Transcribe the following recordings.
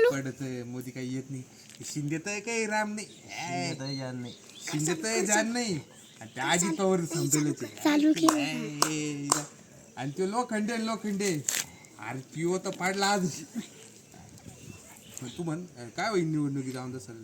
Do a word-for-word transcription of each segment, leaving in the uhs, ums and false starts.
पडत मोदी काही येत नाही. शिंदे तर काही राम नाही, जान नाही शिंदे तर जाण नाही. आणि त्या अजित पवार समजले चालू केलं आणि तो लोखंडे लोखंडे अरे पिओ तर पाडला आज. तू म्हण काय होईल निवडणुकी जाऊन तसं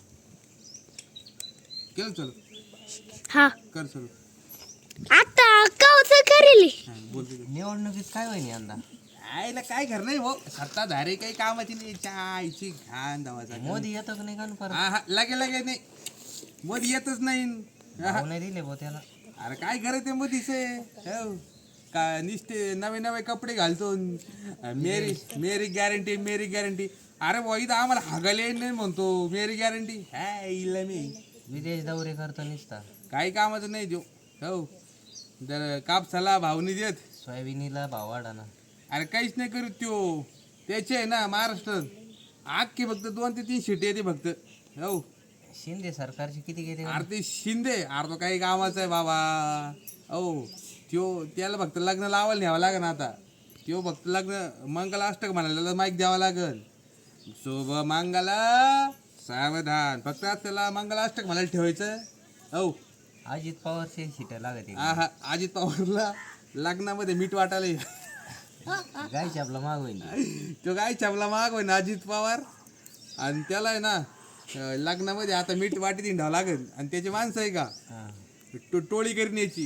केलं चल हा कर चल आता कवच करेल बोलतो निवडणुकीत काय होईल यंदा आईला काय कर नाही भाऊ सत्ताधारी काही कामाची नाही चायची घाण धावाचा मोदी येतो की नाही का परत हा हा लगे लगे नाही मोदी येतच नाही. भाव नाही दिले भाऊ त्याला अरे काय करायचं मोदीचे हो का निष्ठे नवे नवे कपडे घालतो मेरी मेरी गॅरंटी मेरी गॅरंटी. अरे भाऊ इथं आम्हाला हागायला येत नाही म्हणतो मेरी गॅरंटी हा इला मी विदेश दौरे करतो निसता काही कामाचं नाही देऊ हो जर कापसाला भाव नाही देत सोयाबीनीला भाव वाढा. अरे काहीच नाही करू त्यो त्याचे आहे ना महाराष्ट्रात आखी फक्त दोन ते तीन शिटी येते फक्त हो. शिंदे सरकारचे किती गेले अरे ते शिंदे अरे तो काही कामाचं आहे बाबा हो. त्यो त्याला फक्त लग्न लावायला न्यावं लागेल आता त्यो फक्त लग्न मंगलाष्टक म्हणायला माईक द्यावा लागेल शुभ मंगला सावधान फक्त त्याला मंगलाष्टक म्हणायला ठेवायचं हो. अजित पवारचे शिट्या लागत हा हा अजित पवारला लग्नामध्ये मीठ वाटायला गायची आपला माग होईल तो काय छापला माग होय ना अजित पवार आणि त्याला आहे ना अं, लग्नामध्ये आता मीठ वाटी हिंडावं लागेल आणि त्याची माणसं आहे का टो टोळी करण्याची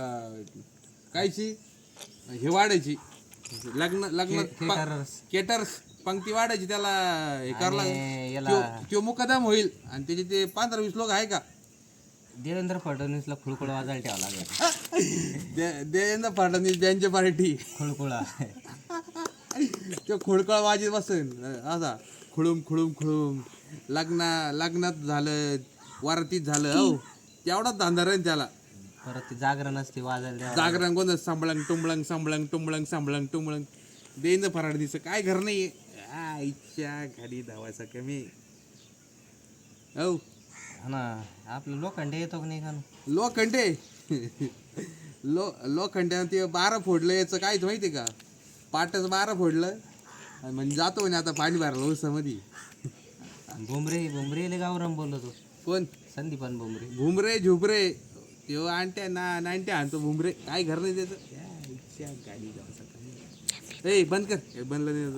कायची हे वाढायची लग्न लग्न caterers. केटर्स पंक्ती वाढायची त्याला हे करावं आणि याला- लागेल त्यो मुकदम होईल आणि त्याचे ते पंधरा वीस लोक आहे का देवेंद्र फडणवीसला खुळखुळ वाजायला ठेवा लागेल दे- देवेंद्र फडणवीस त्यांची पार्टी खुळखुळा तो खोडकळ वाजत बसेल असा खुळूम खुळूम खुळूम लग्ना लग्नात झालं वरातीत झालं हो तेवढाच धंदा राहील त्याला. परत ते जागरण असते वाजायला द्यावं जागरण कोणतं सांभळंग टुंबळंग सांभळंग टुंबळंग सांभळंग टुंबळंग देईन फराडीचं काय घर नाही आईच्या गाडी धावायचा कमी हो. हा ना आपलं लोखंडे येतो की नाही का लोखंडे लो लोखंड्यानं ते बारा फोडलं याचं कायच माहिती का पाटच बारा फोडलं आणि म्हणजे जातो म्हणे आता पाणी भरलं उसामध्ये. बुमरे बुमरेले गावराम बोलतो कोण संदीपान बुमरे भुमरे झुबरे त्यो आणत्या ना नाईन्टी आणतो भुमरे काय घर नाही त्याचं गाडी ए बंद कर हे बनलं नाही